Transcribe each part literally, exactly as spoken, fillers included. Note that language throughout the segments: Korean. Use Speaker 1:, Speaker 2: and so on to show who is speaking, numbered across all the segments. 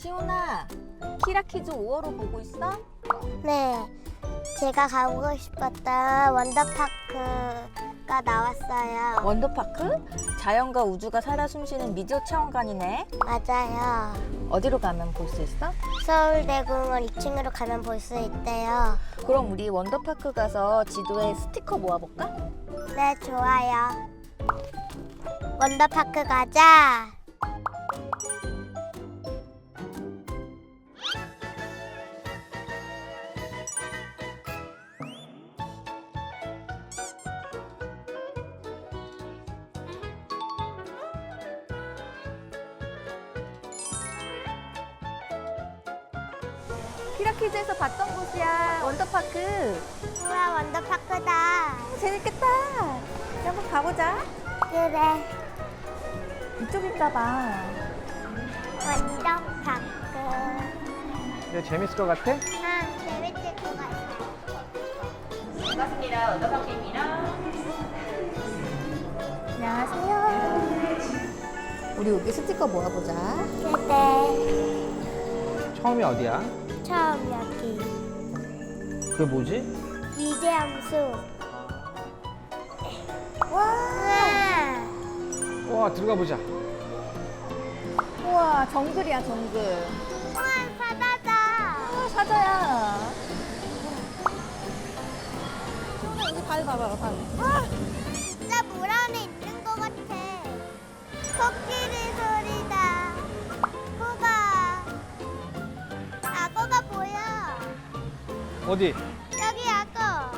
Speaker 1: 시온아, 키라키즈 오월호 보고 있어?
Speaker 2: 네, 제가 가보고 싶었던 원더파크가 나왔어요.
Speaker 1: 원더파크? 자연과 우주가 살아 숨쉬는 미디어 체험관이네.
Speaker 2: 맞아요.
Speaker 1: 어디로 가면 볼 수 있어?
Speaker 2: 서울대공원 이 층으로 가면 볼 수 있대요.
Speaker 1: 그럼 우리 원더파크 가서 지도에 스티커 모아볼까?
Speaker 2: 네, 좋아요. 원더파크 가자.
Speaker 1: 키라키즈에서 봤던 곳이야, 원더파크.
Speaker 2: 우와, 원더파크다.
Speaker 1: 재밌겠다. 이제 한번 가보자.
Speaker 2: 그래,
Speaker 1: 이쪽인가 봐.
Speaker 2: 원더파크.
Speaker 3: 이거 재밌을 것 같아?
Speaker 2: 응, 재밌을 것 같아.
Speaker 1: 반갑습니다. 원더파크입니다. 안녕하세요. 우리 여기 스티커 모아보자.
Speaker 2: 그래,
Speaker 3: 처음이 어디야?
Speaker 2: 처음 여기.
Speaker 3: 그게 뭐지?
Speaker 2: 위대한 숲.
Speaker 1: 와,
Speaker 2: 우와,
Speaker 3: 와, 들어가 보자.
Speaker 1: 우와, 정글이야, 정글.
Speaker 2: 우와, 바다다.
Speaker 1: 아, 사자야. 소은아, 여기 발 봐봐, 발. 아,
Speaker 2: 진짜 물 안에 있는 것 같아. 코끼리 소리다. 코가. 악어가 보여.
Speaker 3: 어디?
Speaker 2: 여기 악어.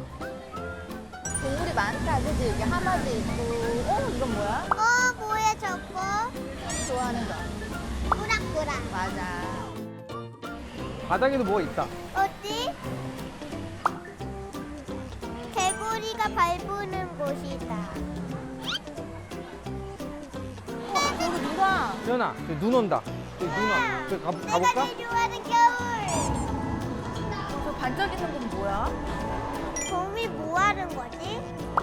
Speaker 1: 동물이 많다, 그지? 여기 하마도 있고. 어, 이건 뭐야?
Speaker 2: 어, 뭐야 저거?
Speaker 1: 좋아하는 거.
Speaker 2: 꾸락꾸락.
Speaker 1: 맞아.
Speaker 3: 바닥에도 뭐가 있다.
Speaker 2: 어디? 개구리가 밟는 곳이다.
Speaker 1: 어, 여기 누가?
Speaker 3: 지연아, 저기 눈 온다. 저기 눈 와. 저기 가,
Speaker 2: 내가
Speaker 3: 가볼까?
Speaker 2: 제일 좋아하는 겨울.
Speaker 1: 저 반짝이는 건 뭐야?
Speaker 2: 곰이 뭐 하는 거지?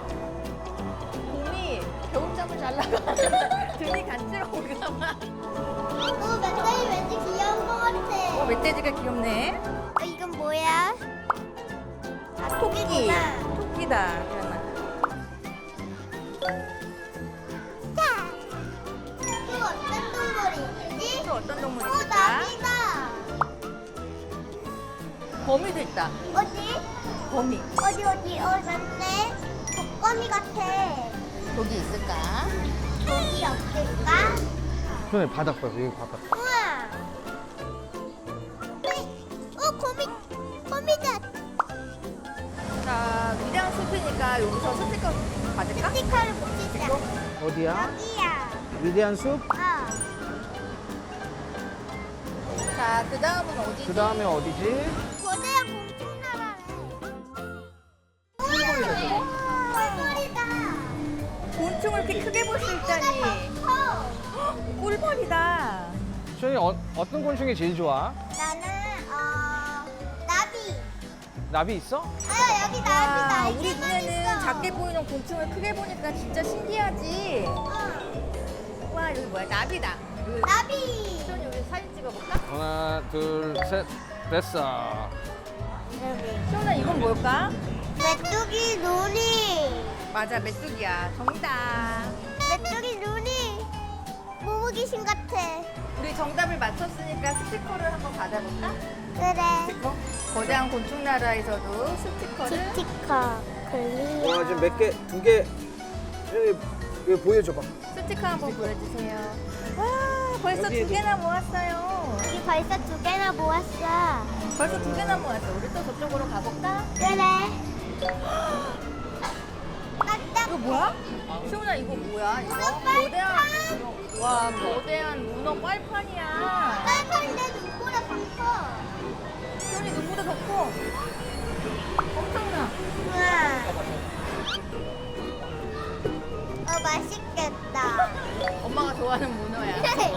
Speaker 1: 곰이 겨울잠을 자려고 등이 간지러운가 봐.
Speaker 2: 어, 멧돼지 왠지 귀여운 것 같아.
Speaker 1: 어, 멧돼지가 귀엽네.
Speaker 2: 어, 이건 뭐야? 아,
Speaker 1: 토끼.
Speaker 2: 토끼구나.
Speaker 1: 토끼다. 그러나.
Speaker 2: 자, 또 어떤 동물이 있지?
Speaker 1: 또 어떤 동물이
Speaker 2: 어,
Speaker 1: 있을까?
Speaker 2: 나비다.
Speaker 1: 거미도 있다.
Speaker 2: 어디?
Speaker 1: 거미.
Speaker 2: 어디 어디? 어, 맞네. 독거미 같아.
Speaker 1: 여기 있을까?
Speaker 2: 독이 없을까?
Speaker 3: 지연아, 바닥 봐. 여기 바닥.
Speaker 2: 우와. 네. 어, 거미. 거미다.
Speaker 1: 자, 위대한 숲이니까 여기서 스티커 받을까?
Speaker 2: 스티커를 붙이자.
Speaker 3: 어디야?
Speaker 2: 여기야.
Speaker 3: 위대한 숲?
Speaker 2: 어.
Speaker 1: 자, 그 다음은 어디지?
Speaker 3: 그 다음에 어디지?
Speaker 2: 거대한 곤충나라네. 우와. 꿀벌이다.
Speaker 1: 곤충을 이렇게 크게 볼 수 있다니.
Speaker 2: 어.
Speaker 1: 꿀벌이다.
Speaker 3: 지연이 어, 어떤 곤충이 제일 좋아?
Speaker 2: 나는 어 나비.
Speaker 3: 나비 있어?
Speaker 2: 아 여기 나비
Speaker 1: 와,
Speaker 2: 날개만
Speaker 1: 우리 눈에는
Speaker 2: 있어.
Speaker 1: 작게 보이는 곤충을 크게 보니까 진짜 신기하지?
Speaker 2: 어.
Speaker 1: 와, 여기 뭐야? 나비다. 여기
Speaker 2: 나비.
Speaker 1: 시원이 여기 사진 찍어볼까?
Speaker 3: 하나, 둘, 셋. 됐어.
Speaker 1: 시원아, 이건 뭘까?
Speaker 2: 메뚜기 눈이.
Speaker 1: 맞아, 메뚜기야. 정답.
Speaker 2: 메뚜기 눈이 모모 귀신 같아.
Speaker 1: 우리 정답을 맞췄으니까 스티커를 한번 받아볼까?
Speaker 2: 그래.
Speaker 1: 스티커? 거대한 곤충 나라에서도 스티커를.
Speaker 2: 스티커 클리어.
Speaker 3: 지금 몇 개? 두 개. 지연이, 이거 보여줘봐.
Speaker 1: 스티커 한번 보여주세요. 와, 벌써
Speaker 3: 여기,
Speaker 1: 두 개나 모았어요.
Speaker 2: 여기 벌써 두 개나 모았어.
Speaker 1: 벌써 두 개나 모았어. 우리 또 저쪽으로 가볼까?
Speaker 2: 그래. 깜짝.
Speaker 1: 이거 뭐야? 시훈아, 이거 뭐야? 이거
Speaker 2: 문어 빨판.
Speaker 1: 거대한. 와, 거대한 문어 빨판이야.
Speaker 2: 빨판인데 눈보다 더 커.
Speaker 1: 시훈이 눈보다 더 커. 엄청나.
Speaker 2: 우와. 어 맛있겠다.
Speaker 1: 엄마가 좋아하는 문어야.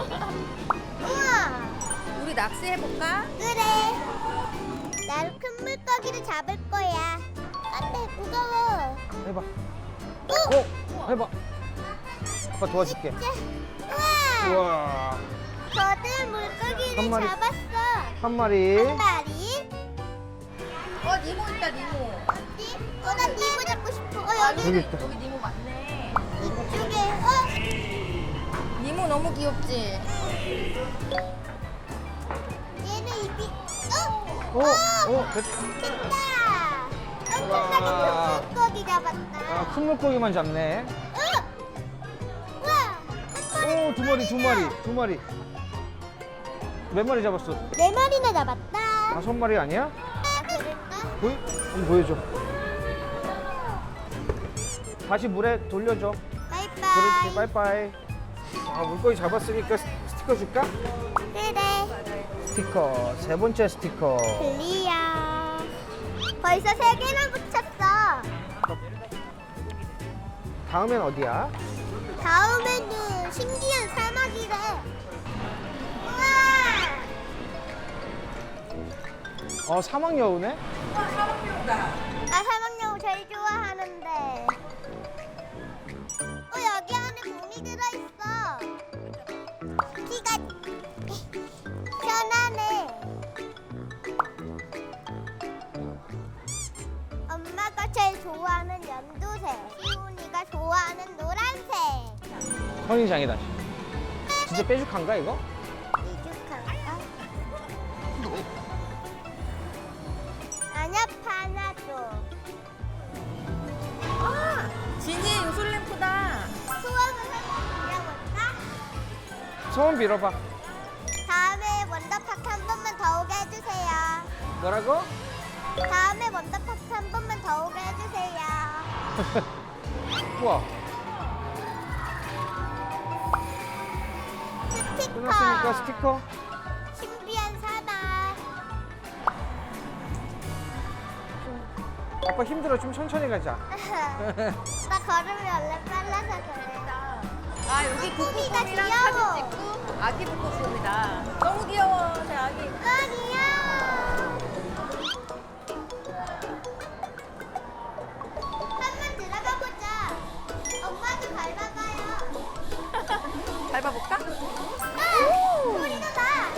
Speaker 2: 우와.
Speaker 1: 우리 낚시해볼까?
Speaker 2: 그래. 나로 큰 물고기를 잡을 거야. 안돼 무거워.
Speaker 3: 해봐.
Speaker 2: 오.
Speaker 3: 어? 해봐. 아빠 도와줄게.
Speaker 2: 자, 우와.
Speaker 3: 우와.
Speaker 2: 저들 물고기를
Speaker 3: 한 마리.
Speaker 2: 잡았어.
Speaker 3: 한 마리.
Speaker 2: 한 마리.
Speaker 1: 어 니모 있다 니모.
Speaker 2: 어디? 어, 나 니모 잡고 싶어. 어, 여기
Speaker 3: 여기 있다.
Speaker 1: 여기 니모 맞네.
Speaker 2: 이쪽에. 어,
Speaker 1: 니모 너무 귀엽지?
Speaker 2: 얘는 입이. 어,
Speaker 3: 오, 오, 됐.
Speaker 2: 됐다. 엄청나게
Speaker 3: 와.
Speaker 2: 큰 물고기 잡았다.
Speaker 3: 아, 큰 물고기만 잡네.
Speaker 2: 어, 와,
Speaker 3: 오, 두 마리, 두 마리, 두 마리. 몇 마리 잡았어?
Speaker 2: 네 마리나 잡았다.
Speaker 3: 다섯 마리 아니야?
Speaker 2: 아, 그럴까?
Speaker 3: 보여? 한번 보여줘. 다시 물에 돌려줘.
Speaker 2: 바이바이.
Speaker 3: 그렇지, 빠이빠이. 아, 물고기 잡았으니까 스- 스티커 줄까?
Speaker 2: 그래.
Speaker 3: 스티커, 세 번째 스티커.
Speaker 2: 클리어. 벌써 세 개나 붙였어.
Speaker 3: 다음엔 어디야?
Speaker 2: 다음에는 신기한 사막이래. 우와!
Speaker 3: 어, 사막 여우네?
Speaker 2: 나 사막여우 제일 좋아하는데. 어, 여기 안에 몸이 들어있어. 키가 편하네. 엄마가 제일 좋아하는 연두색. 시훈이가 좋아하는 노란색.
Speaker 3: 선인장이다. 진짜 뾰족한가, 이거?
Speaker 2: 미죽할까? 아니야, 파나도.
Speaker 1: 진이 요술램프다.
Speaker 2: 소원을 한번 빌려볼까?
Speaker 3: 소원 빌어봐.
Speaker 2: 다음에 원더파크 한 번만 더 오게 해주세요.
Speaker 3: 뭐라고?
Speaker 2: 다음에 원더파크 한 번만 더 오게 해주세요.
Speaker 3: 우와,
Speaker 2: 스티커.
Speaker 3: 끝났으니까 스티커.
Speaker 2: 신비한 사막.
Speaker 3: 아빠 힘들어, 좀 천천히 가자.
Speaker 2: 나 걸음이 원래 빨라서 그래.
Speaker 1: 아 여기
Speaker 2: 꾸미가
Speaker 1: 북극곰이랑
Speaker 2: 귀여워.
Speaker 1: 사진 찍고 아기 북극곰이다. 너무 귀여워 제 아기.
Speaker 2: 아, 귀여워. 한번 들어가 보자. 엄마도 밟아봐요.
Speaker 1: 밟아볼까?
Speaker 2: 아, 소리가 나.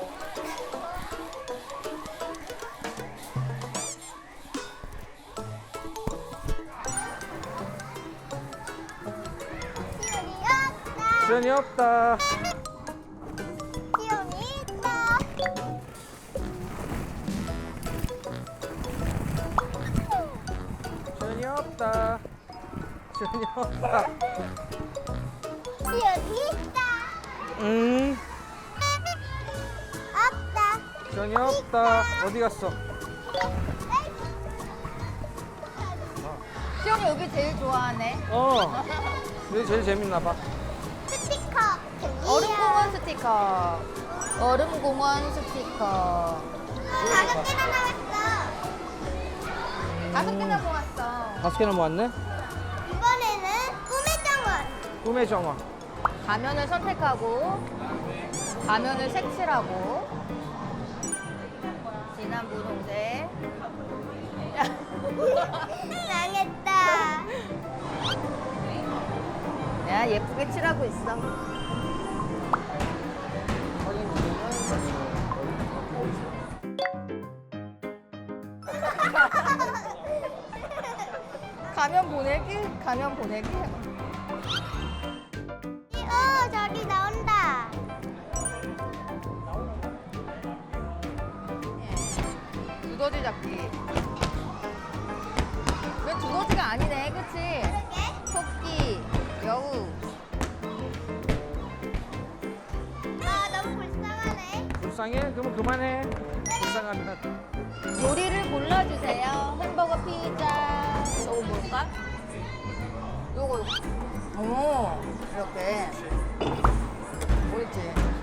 Speaker 3: 시간이
Speaker 2: 시온이 없다.
Speaker 3: 없다.
Speaker 2: 시온이 있다.
Speaker 3: 시간이 없다. 시간이 없다.
Speaker 2: 시온이 있다.
Speaker 3: 음,
Speaker 2: 없다.
Speaker 3: 시간이 없다. 어디 갔어?
Speaker 1: 시영이 여기 제일 좋아하네.
Speaker 3: 어, 여기 제일 재밌나 봐.
Speaker 2: 스티커.
Speaker 1: 얼음공원 스티커. 얼음공원 스티커.
Speaker 2: 다섯 개나 나왔어.
Speaker 1: 다섯 개나 모았어.
Speaker 3: 다섯 개나 모았네?
Speaker 2: 이번에는 꿈의 정원.
Speaker 3: 꿈의 정원.
Speaker 1: 가면을 선택하고 가면을 색칠하고 진한 분홍색.
Speaker 2: 망했다.
Speaker 1: 야 예쁘게 칠하고 있어. 가면 보내기? 가면 보내기?
Speaker 2: 어, 저기 나온다.
Speaker 1: 두더지 잡기. 왜 두더지가 아니네, 그치? 토끼, 여우.
Speaker 2: 아, 너무 불쌍하네.
Speaker 3: 불쌍해? 그러면 그만해. 불쌍하면.
Speaker 1: 요리를 골라주세요. 햄버거, 피자. 요거 뭘까? 요거, 요거. 오, 이렇게. 옳지.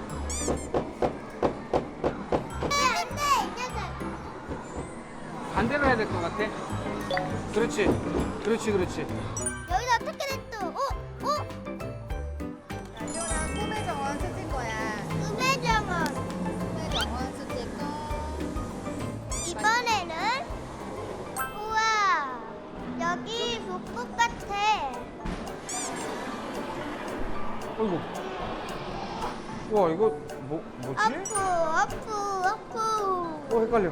Speaker 2: 왜 안 돼, 이 녀석.
Speaker 3: 반대로 해야 될 것 같아. 그렇지. 그렇지, 그렇지.
Speaker 2: 여기서 어떻게 됐어? 어? 어?
Speaker 1: 시원아, 꿈의 정원 스칠 거야.
Speaker 2: 꿈의 정원.
Speaker 1: 꿈의 정원 스티커.
Speaker 2: 이번에는 우와, 여기 북극 같아.
Speaker 3: 어이구. 우와 이거 뭐 뭐지?
Speaker 2: 아프 아프 아프.
Speaker 3: 어 헷갈려.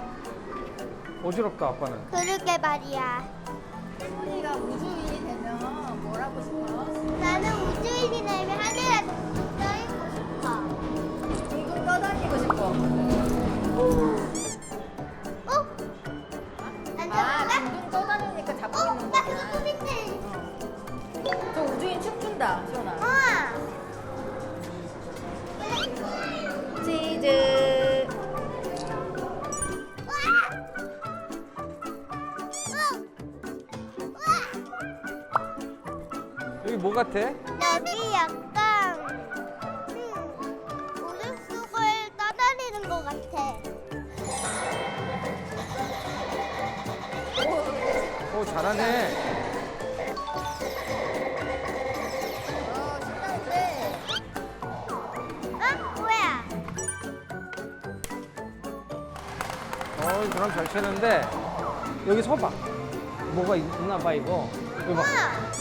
Speaker 3: 어지럽다 아빠는.
Speaker 2: 그러게 말이야.
Speaker 1: 혜문이가 우주인이 되면 뭘 하고 싶어?
Speaker 2: 나는 우주인이 되면 하늘에 떠있고 싶어.
Speaker 1: 둥둥 떠다니고 싶어.
Speaker 2: 어? 난
Speaker 1: 아,
Speaker 2: 저건가?
Speaker 1: 둥둥 떠다니니까 잡고
Speaker 2: 어?
Speaker 1: 있는
Speaker 2: 나
Speaker 1: 거구나.
Speaker 2: 그거 꿈인데.
Speaker 1: 저 우주인 춤춘다, 시원아.
Speaker 2: 어.
Speaker 1: 치즈.
Speaker 3: 여기 뭐 같아?
Speaker 2: 여기 약간 음, 우주 속을 떠다니는 것 같아.
Speaker 3: 오 잘하네.
Speaker 1: 어, 신나는데.
Speaker 2: 어? 뭐야?
Speaker 3: 어 그럼 잘 치는데 여기 서봐. 뭐가 있, 있나 봐 이거. 여기 봐.
Speaker 2: 우와.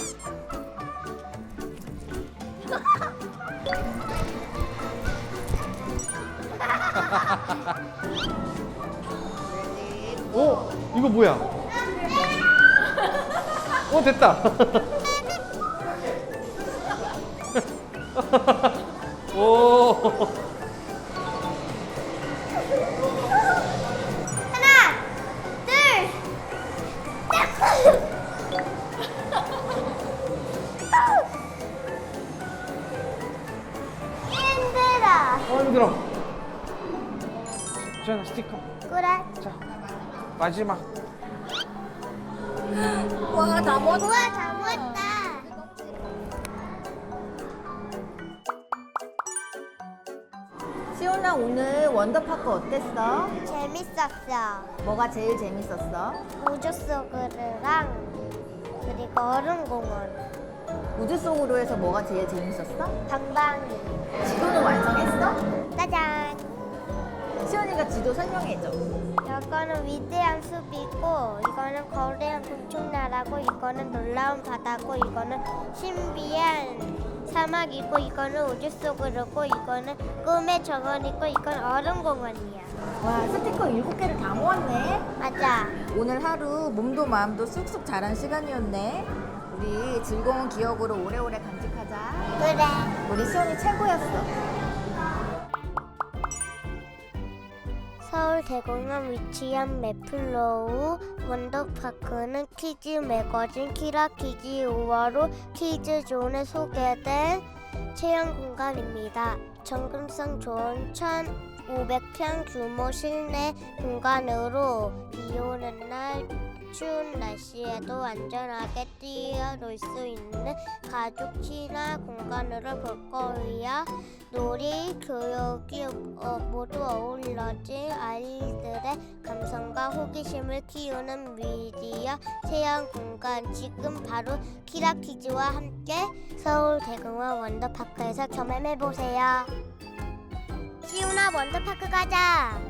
Speaker 3: 오 이거 뭐야? 오 됐다. 오.
Speaker 2: 하나, 둘, 힘들어.
Speaker 3: 어 힘들어. 자 스티커.
Speaker 2: 그래.
Speaker 3: 자 마지막.
Speaker 1: 와, 다 먹었다.
Speaker 2: 우와, 다 모았다.
Speaker 1: 시온아, 오늘 원더파크 어땠어?
Speaker 2: 재밌었어.
Speaker 1: 뭐가 제일 재밌었어?
Speaker 2: 우주 속으로랑 그리고 얼음공원,
Speaker 1: 우주 속으로 해서 뭐가 제일 재밌었어?
Speaker 2: 방방이.
Speaker 1: 지도는 완성했어?
Speaker 2: 짜잔.
Speaker 1: 시온이가 지도 설명해줘.
Speaker 2: 이거는 위대한 숲이고, 이거는 거대한 곤충나라고, 이거는 놀라운 바다고, 이거는 신비한 사막이고, 이거는 우주 속으로고, 이거는 꿈의 정원이고, 이건 얼음공원이야.
Speaker 1: 와, 스티커 일곱 개를 다 모았네.
Speaker 2: 맞아.
Speaker 1: 오늘 하루 몸도 마음도 쑥쑥 자란 시간이었네. 우리 즐거운 기억으로 오래오래 간직하자.
Speaker 2: 그래.
Speaker 1: 우리 시온이 최고였어.
Speaker 2: 서울대공원 위치한 메플로우 원더파크는 키즈 매거진 키라키즈 오화로 키즈존에 소개된 체험 공간입니다. 접근성 좋은 천오백 평 규모 실내 공간으로 비 오는 날 추운 날씨에도 안전하게 뛰어놀 수 있는 가족 친화 공간으로 볼 거예요. 놀이, 교육이 어, 모두 어우러진 아이들의 감성과 호기심을 키우는 미디어 체험 공간. 지금 바로 키라키즈와 함께 서울대공원 원더파크에서 경험해보세요. 시우나 원더파크 가자.